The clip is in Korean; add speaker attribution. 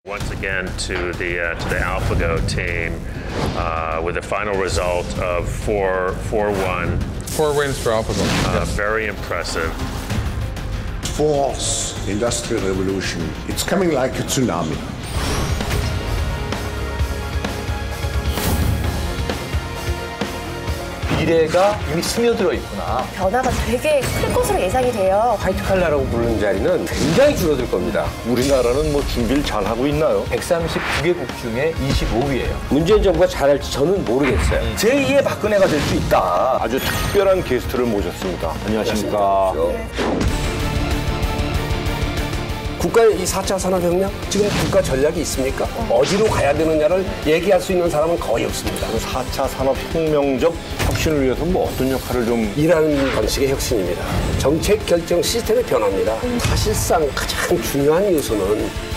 Speaker 1: Once again to the AlphaGo team with a final result of 4-1.
Speaker 2: 4 wins for AlphaGo. Yes.
Speaker 1: Very impressive.
Speaker 3: Fourth industrial revolution. It's coming like a tsunami.
Speaker 4: 미래가 이미 스며들어 있구나.
Speaker 5: 변화가 되게 클 것으로 예상이 돼요.
Speaker 6: 화이트 칼라라고 부르는 자리는 굉장히 줄어들 겁니다.
Speaker 7: 우리나라는 뭐 준비를 잘 하고 있나요?
Speaker 4: 139개국 중에 25위예요.
Speaker 6: 문재인 정부가 잘할지 저는 모르겠어요.
Speaker 4: 제2의 박근혜가 될 수 있다.
Speaker 7: 아주 특별한 게스트를 모셨습니다. 안녕하십니까.
Speaker 6: 국가의 이 4차 산업혁명? 지금 국가 전략이 있습니까? 어디로 가야 되느냐를 얘기할 수 있는 사람은 거의 없습니다.
Speaker 7: 4차 산업혁명적 혁신을 위해서 뭐 어떤 역할을 좀...
Speaker 6: 일하는 방식의 혁신입니다. 정책 결정 시스템의 변화입니다. 사실상 가장 중요한 요소는